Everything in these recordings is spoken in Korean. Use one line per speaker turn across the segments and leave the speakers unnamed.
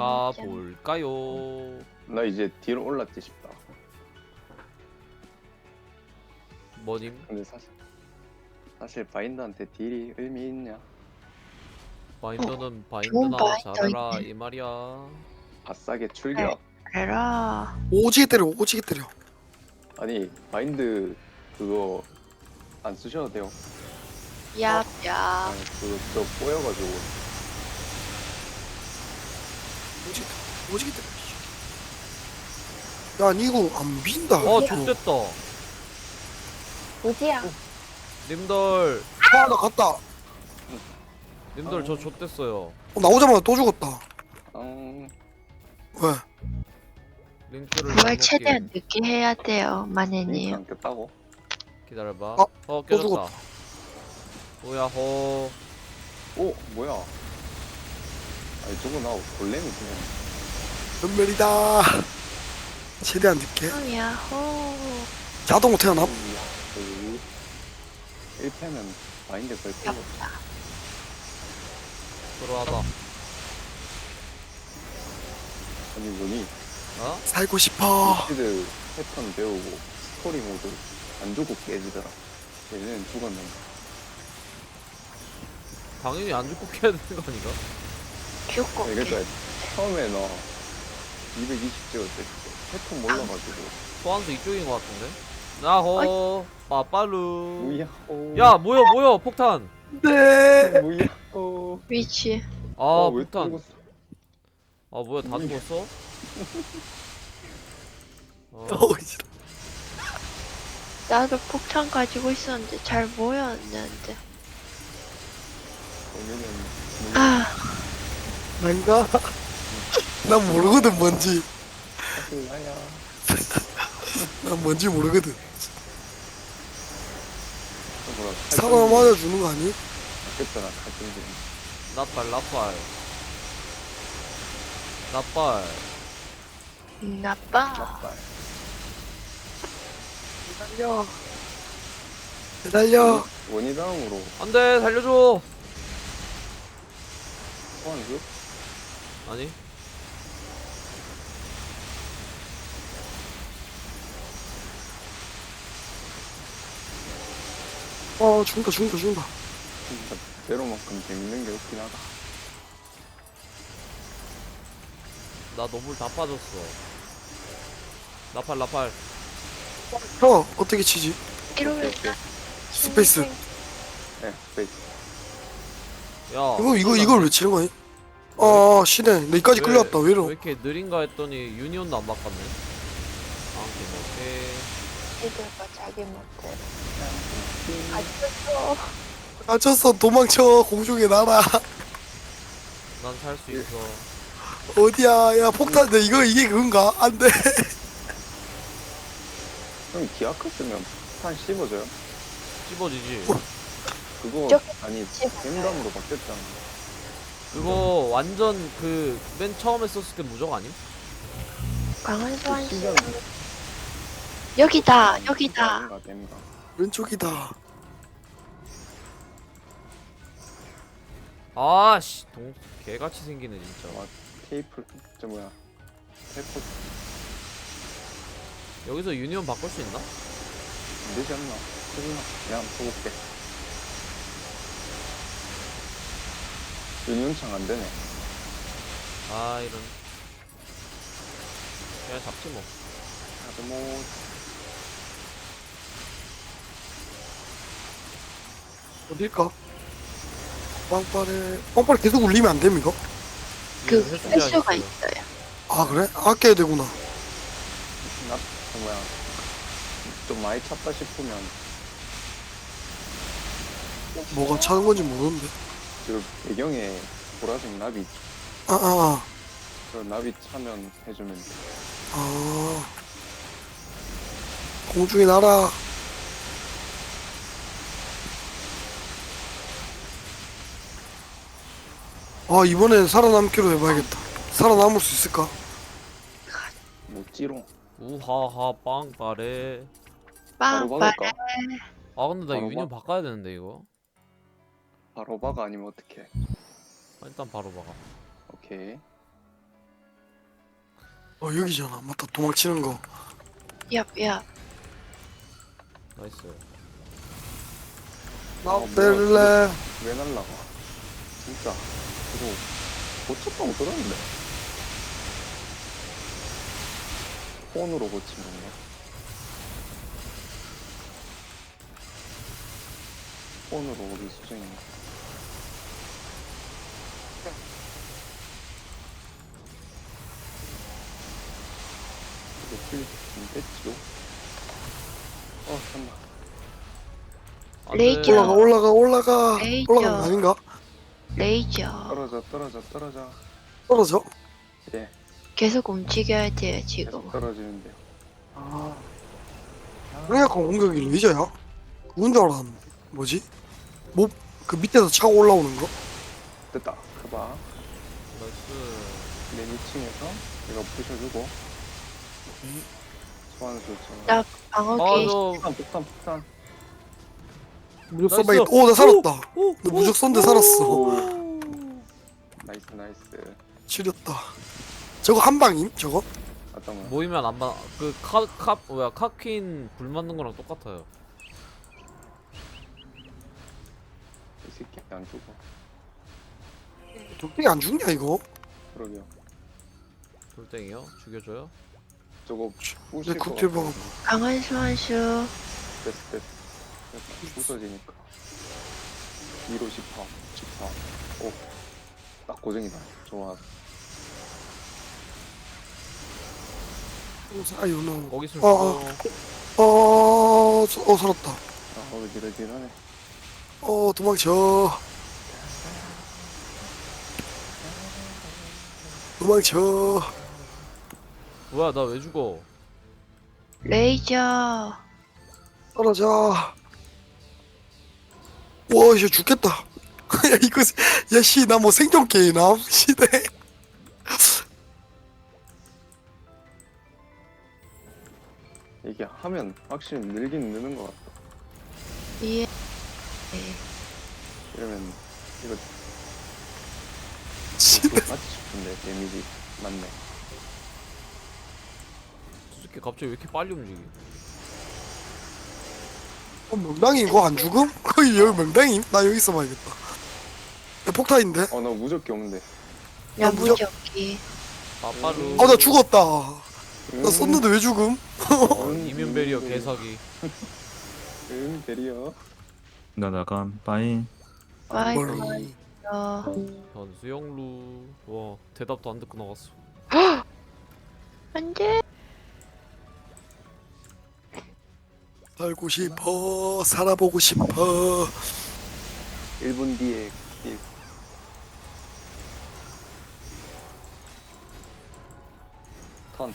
가볼까요?
나 이제 뒤로 올랐지 싶다.
뭐님?
근데 사실 바인드한테 딜이 의미 있냐?
바인더는
좋은
바인드나
바인더
잘해라
있네.
이 말이야.
아싸게 출격.
에라.
오지게 때려 오지게 때려.
아니 바인드 그거 안 쓰셔도 돼요.
얍얍.
아니 그저 꼬여가지고
오지게 때려 오지게 때려. 야 니구 안 빈다.
좋됐다.
우지야.
님들,
나 갔다.
님들 저 좋됐어요.
나오자마자 또 죽었다. 왜?
링크를
그걸
잘못
최대한
끼-
늦게 해야 돼요,
링크
마네님.
안 꼈다고?
기다려봐.
또
깨졌다.
죽었다.
오야호.
오 뭐야? 아니 저거 나 골렘이 그냥
연멸이다. 최대한 늦게.
야호.
자동으로 태어남.
그 1패는 바인드 걸 거고
얍얍.
들어와봐.
아니 뭐니?
어?
살고 싶어.
시드 패턴 배우고 스토리 모드 안 주고 깨지더라. 얘는 죽었는데.
당연히 안 죽고 깨야 되는 거 아닌가?
죽고.
그러니까 처음에 너 220 찍었을 때 패턴 몰라가지고
소환수 이쪽인 것 같은데? 야호. 빠빠루.
무야호.
야 뭐야 폭탄.
네.
무야호.
위치.
아
왜
폭탄.
떨궜어?
아 뭐야 다 죽었어?
어우, 씨.
나도 폭탄 가지고 있었는데 잘 모였는데.
오늘은
아,
난가? 난 모르거든 뭔지.
사실 나야.
난 뭔지 모르거든.
뭐라
사람 맞아주는 거 아니?
아꼈잖아 칼등지.
나빨.
나빠.
나빨.
기다려. 기다려.
원이 다음으로
안돼 살려줘.
소환수?
아니
죽는다.
진짜 제로만큼 재밌는 게 없긴 하다.
나 노블 다 빠졌어. 나팔.
형 어떻게 치지?
이러면
오케이.
스페이스.
네, 스페이스.
야
이걸 왜 치는 거니? 시네. 나 이까지 끌려왔다. 왜 이러?
왜 이렇게 느린가 했더니 유니온도 안 바꿨네. 오케이.
애들과 자기 멋대로. 아직도
갇혔어. 도망쳐. 공중에 날아.
난 살 수 있어.
어디야? 야 폭탄. 이게 그건가? 안 돼.
형 기아크 쓰면 판 씹어져요?
찝어지지.
그거
저기
아니
씹어져요.
갱감으로 바뀌었잖아.
그거 완전 그 맨 처음에 썼을 때 무적 아님?
강한 소환 씨.
신기한
여기다.
댐가.
왼쪽이다.
아씨 개같이 생기네 진짜.
와 테이프 저 뭐야 테이프
여기서 유니온 바꿀 수 있나?
안 되지 않나? 해주나? 내가 한번 써볼게. 윤윤창 안 되네.
아 이런. 그냥 잡지 뭐.
나도 뭐
어딜까? 빵빠레 계속 울리면 안 됩니까?
그
이거 횟수제한
횟수가
있어요.
있어요.
아 그래? 아껴야 되구나.
저 뭐야 좀 많이 찼다 싶으면
뭐가 차는 건지 모르는데.
그 배경에 보라색 나비 있지.
아.
그 나비 차면 해주면 돼.
공중에 날아. 이번엔 살아남기로 해봐야겠다. 살아남을 수 있을까?
못지롱.
우하하 빵빠레.
바로
빵빵.
박을까?
아 근데 나
바로
유니온
봐?
바꿔야 되는데 이거.
바로 박아 아니면 어떡해.
일단 바로 박아.
오케이.
여기잖아. 맞다. 도망치는 거.
얍얍.
나이스.
나
뭐야,
때릴래.
왜 날라가? 진짜. 이거 고쳤다고 들었는데. 폰으로 고친 건가? 폰으로 오기 수정인가? 이거 필좀 뺐지요? 잠깐만.
안
레이저.
돼.
올라가.
레이저.
올라가는 거 아닌가?
레이저.
떨어져.
떨어져?
예,
계속 움직여야 돼요 지금.
계속 떨어지는데요.
그래갖고 공격이 레이저야? 그건 줄 알았는데. 뭐지? 뭐, 그 밑에서 차고 올라오는 거?
됐다. 그봐.
나이스.
맨 2층에서 내가 부셔주고. 소환수
나
저
방어기.
저
폭탄.
무적
나이스.
쏜다. 오, 나 살았다.
오,
나 무적 쏜데 살았어.
오.
나이스.
지렸다. 저거 한 방임? 저거?
잠깐만.
모이면 안 봐. 뭐야 카퀸 불 맞는 거랑 똑같아요.
이 새끼 안 죽어.
독대기 안 죽냐, 이거?
그러게요.
돌덩이요? 죽여줘요?
저거
내
부실 거
국제
같아.
방어.
강한 수환수.
됐어. 부서지니까. 2로 14. 오. 딱 고정이다. 좋아.
아유, 너.
거기 있으면 죽어.
살았다.
어지러지러네.
도망쳐.
뭐야 나 왜 죽어?
레이저.
떨어져. 와, 이제 죽겠다. 야, 이거, 야, 씨, 나 뭐 생존 게임함? 시대.
이게 하면 확실히 늘긴 느는 것 같다.
예.
이러면 이거
시대.
맞지 싶은데 데미지 맞네.
저 새끼 갑자기 왜 이렇게 빨리 움직이?
명당이 이거 안 죽음? 거의 여기 명당임? 나 여기 있어봐야겠다. 야, 폭탄인데?
나 무적기 없는데.
야
무적-
무적기.
빠빠루.
나 죽었다. 나 썼는데 왜 죽음?
이면 베리어 개사기.
베리어.
나 나감 빠이.
와이파이.
변수영루. 와 대답도 안 듣고 나갔어.
안돼.
살고 싶어. 살아보고 싶어.
1분 뒤에 턴.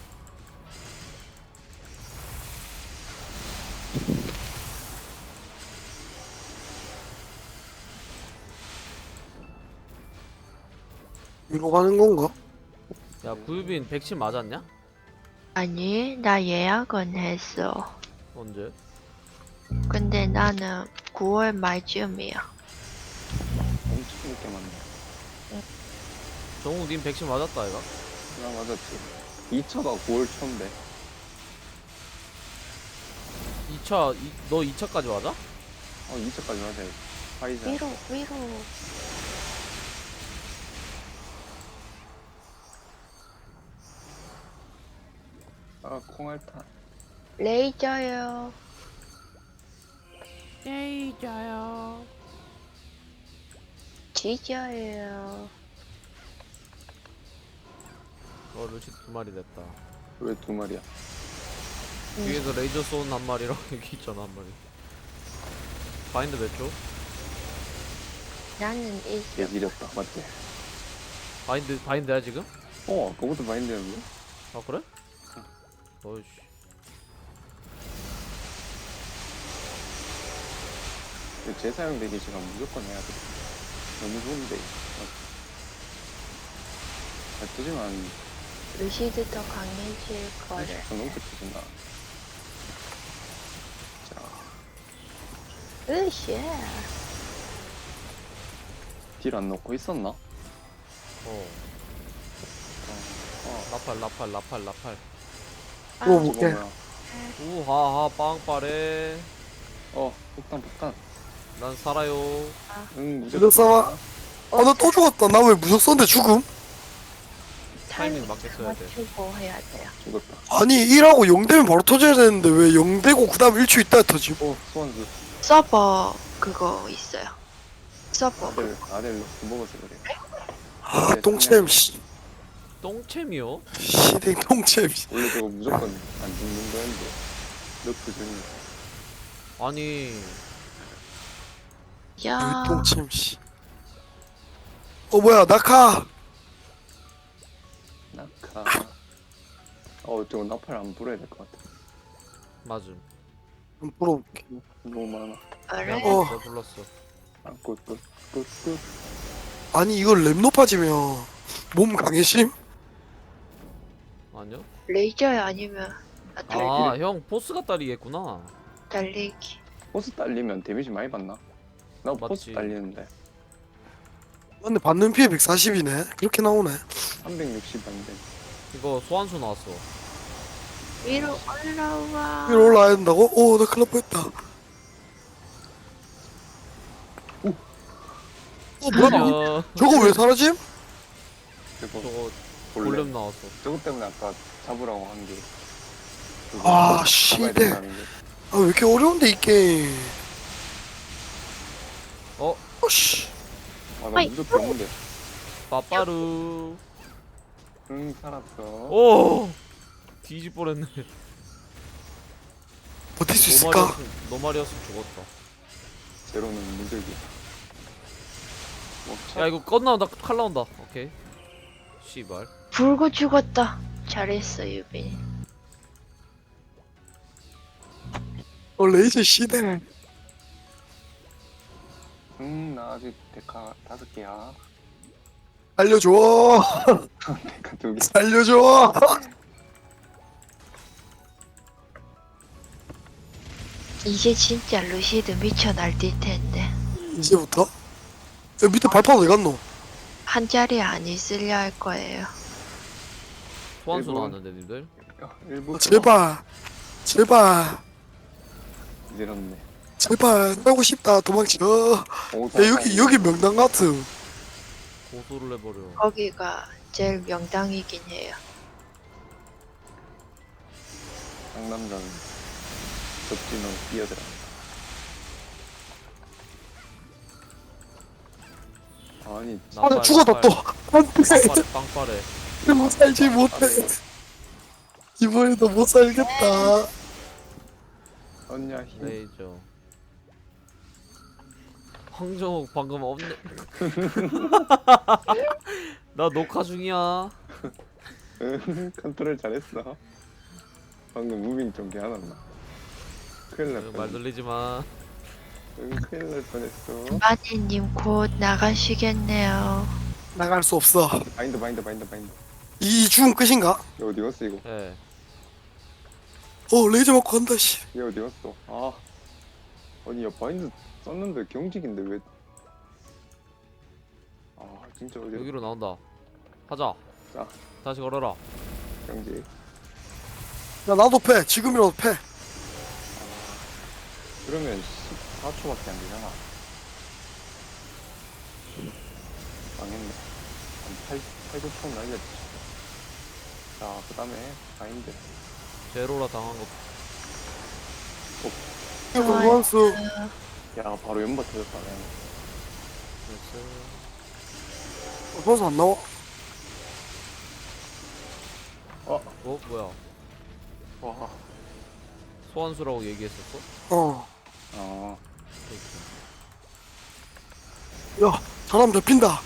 이거 가는 건가?
야 구유빈 백신 맞았냐?
아니 나 예약은 했어.
언제?
근데 나는 9월 말쯤이야.
엄청 늦게 맞네.
정우 님 백신 맞았다 이가?
나 맞았지. 2차가 9월 초인데.
2차 너 2차까지 맞아?
2차까지 맞아야지. 파이자.
위로.
콩알탄.
레이저요.
레이저요.
지저요.
루시 2마리 됐다.
왜 2마리야?
뒤에서 레이저 쏜 한 마리랑 여기 있잖아 한 마리. 바인드 몇 초?
나는 있어.
개지렸다. 맞지?
바인드야 지금?
그거부터 마인드였는데?
아 그래? 어이씨.
재사용 대기 시간 무조건 해야 돼. 너무 좋은데. 잘 뜨지만
루시드 더 강해질 거를.
30분 넘게 뜨진다. 자,
으쌰.
딜 안 넣고 있었나?
나 라팔.
아,
또
저거
볼게.
뭐야?
우하하 빵빠레.
폭탄.
난 살아요.
응,
무적
무조건.
쏴봐. 아, 나 또 죽었다. 나 왜 무적 썼는데 죽음?
타이밍 맞게 써야 돼.
맞추고 해야 돼요.
죽었다.
아니, 1하고 0 되면 바로 터져야 되는데 왜 0 되고 그 다음 1초 있다 터짐?
소환수.
서버 그거 있어요. 서버.
아델로 먹어서 그래.
아, 똥챔, 씨.
똥챔이요?
시댕 똥챔, 씨.
원래 저거 무조건 안 죽는 거였는데. 너프 중이.
아니
야.
똥챔, 씨. 뭐야, 낙하.
낙하. 저거 나팔 안 불어야 될 것 같아.
맞음.
한번 풀어볼게.
너무 많아.
그래?
내가 불렀어.
끝.
아니, 이걸 랩 높아지면 몸 강해심?
아니요?
레이저야 아니면
아 형 보스가 딸이겠구나.
달리기.
보스 딸리면 데미지 많이 받나? 나 보스
맞지.
딸리는데
근데 받는 피해 140이네. 그렇게 나오네.
360 안돼.
이거 소환수 나왔어.
위로 올라와.
위로 올라야 된다고? 나 큰일 날 뻔했다. 뭐야?
아니야.
저거 왜 사라짐?
저거
볼렘.
볼렘 나왔어.
저거 때문에 아까 잡으라고 한 게.
아, 씨대. 아, 왜 이렇게 어려운데, 이 게임. 씨.
나 무조건 없는데.
빠빠루.
응, 살았어.
오. 뒤집 뻔했네.
버틸 수 있을까?
너 말이었으면 죽었다.
제로는 무적이.
야 이거 건 나온다. 칼 나온다. 오케이. 씨발.
불고 죽었다. 잘했어 유빈.
레이저 시대.
나 아직 데카 5개야.
알려줘.
데카 2개.
살려줘.
이제 진짜 루시드 미쳐 날뛸 텐데.
이제부터? 야, 밑에 발판 어디 갔노?
한 자리 안 있으려 할 거예요.
소환수
일본.
나왔는데 님들.
일부.
제발.
이렇네.
제발. 살고 싶다. 도망쳐. 야, 여기 명당 같음.
고소를 해버려.
거기가 제일 명당이긴 해요.
상남자는 접진으로 뛰어들어. 아니,
나 죽었다, 또. 안 돼.
빵빠레.
이거 살지 못해. 이번에도 못 살겠다.
언냐 힘.
레이저. 황정욱 방금 없네. 나 녹화 중이야.
컨트롤 잘했어. 방금 무빙 좀 개안았나? 큰일 날
말
뻔.
돌리지 마.
큰일 날 뻔했어.
마니님 곧 나가시겠네요.
나갈 수 없어.
바인드.
이 죽음 끝인가?
얘 어디 갔어 이거?
예.
레이저 맞고 간다, 씨.
얘 어디 갔어? 아니 야 바인드 썼는데 경직인데 왜? 진짜 어디?
여기로 나온다. 하자.
자.
다시 걸어라.
경직.
야, 나도 패. 지금이라도 패.
그러면 14초밖에 안 되잖아. 망했네. 한 8, 9초 날렸지. 자, 그 다음에 바인드.
제로라 당한 거.
원수.
야, 바로 연바 터졌다. 그냥.
됐어.
벌써 안 나와?
뭐야?
와.
소환수라고 얘기했었어?
아,
야, 사람 잡힌다.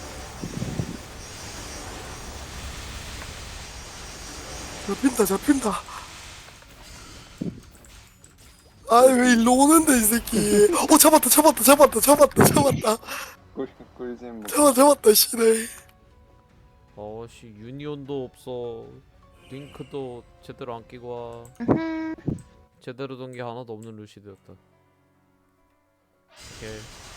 잡힌다. 아이, 왜 일로 오는데, 이 새끼. 잡았다.
꿀잼
잡았다, 씨네.
어씨 유니온도 없어. 링크도 제대로 안 끼고 와. 제대로 된 게 하나도 없는 루시드였다. 오케이.